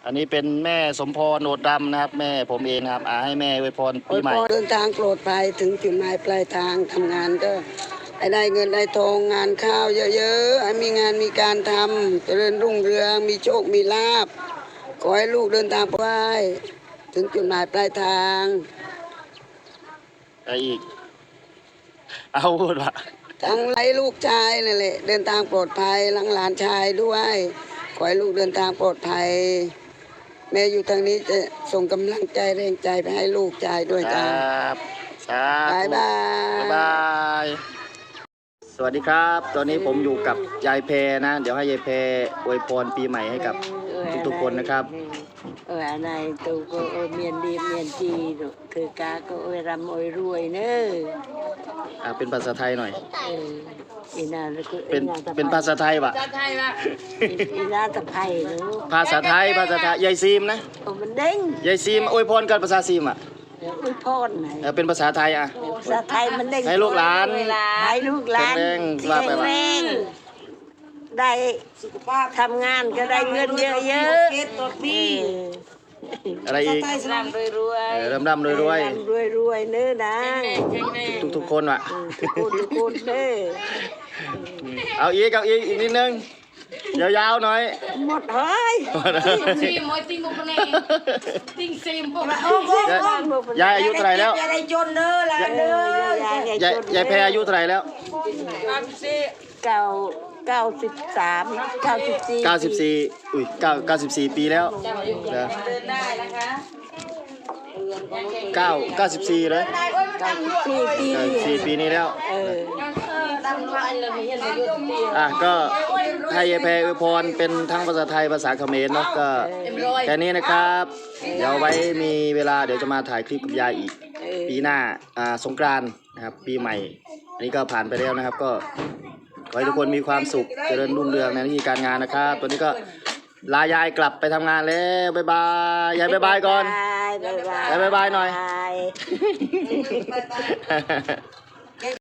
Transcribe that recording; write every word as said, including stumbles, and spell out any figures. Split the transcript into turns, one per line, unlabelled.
อันนี้เป็นแม่สมพรโหนดดำนะครับแม่ผมเองนะครับอาให้แม่อวยพรปีใหม่
เดินทางปลอดภัยถึงจุดหมายปลายทางทำงานก็ให้ได้เงินได้ทองงานข้าวเยอะๆให้มีงานมีการทำเจริญรุ่งเรืองมีโชคมีลาภขอให้ลูกเดินทางปลอดภัยถึงจุดหมายปลายทาง
อะไรอีกเอาพูดว่า
ทั้งไรลูกชายนั่นแหละเดินทางปลอดภัยหลังหลานชายด้วยขอให้ลูกเดินทางปลอดภัยแม่อยู่ทางนี้จะส่งกำลังใจแรงใจไปให้ลูกชายด้วยจ้า
ครับสาธุ
บายบาย
บ๊ายบายสวัสดีครับตอนนี้ผมอยู่กับยายแพรนะเดี๋ยวให้ยายแพรอวยพรปีใหม่ให้กับทุกๆคนนะครับ
เอออะไรตัวก็เออเมียนดีเมียนจีคือกาก็เออรำเออรวยเนอะ
อ่าเป็นภาษาไทยหน่อย
เอออีนา
เป็นเป็นภาษาไทยปะ
ภาษาไทยปะอีนาตะไคร้เนอะ
ภาษาไทยภาษาไทยยายซีมนะ
โอ้มันเด้ง
ยายซีมอวยพรกันภาษาซีมอ่ะ
อวยพรไหน
เออเป็นภาษาไทยอ่ะ
ภาษาไทยมันเด้ง
ให้ลูกหลาน
ให้ลูกหลาน
แรงว่าไปว่า
ได้สุขภาพทำงานก็ได้เงินเยอะๆเก็บตัวดี
อะไรอีก
ร่ำรวยรวย
ร่ำร่ำรวยรวย
รวยรวยเนื้อนะ
ทุกทุกคนว่ะ
ทุกคนทุกคนเด้อ
เอาอีกเอาอีกอีกนิดนึงยาวๆหน่อย
หมดเฮ้ย
ซีมอยติงบุกนี่ติงซีมพวก
ยายอายุเท่าไหร่แล้ว
ยายได้จนเด้อละเด้อย
ายยายแพรอายุเท่าไหร่แล้ว
เก้าเก้าสิบสามเก้าสิบสี่
เก้าสิบสี่อุ้ยเก้าเก้าสิบสี่ปีแล้ว
เดินได้นะคะ
เก้าเก้าสิบสี่เลย
เก้าสิบสี่ปี
เก้าสิบสี่ปีนี้แล้ว
เออ
อ่ะก็ให้ยายแพรอวยพรเป็นทั้งภาษาไทยภาษาเขมรเนาะก็แค่นี้นะครับเดี๋ยวไว้มีเวลาเดี๋ยวจะมาถ่ายคลิปกับยายอีกปีหน้าอ่าสงกรานต์นะครับปีใหม่อันนี้ก็ผ่านไปแล้วนะครับก็ขอให้ทุกคนมีความสุขเจริญรุ่งเรืองในหน้าที่การงานนะครับตัวนี้ก็ลายายกลับไปทำงานแล้วบ๊ายบายยายบ๊ายบายก่อนยายบ๊ายบายหน่อย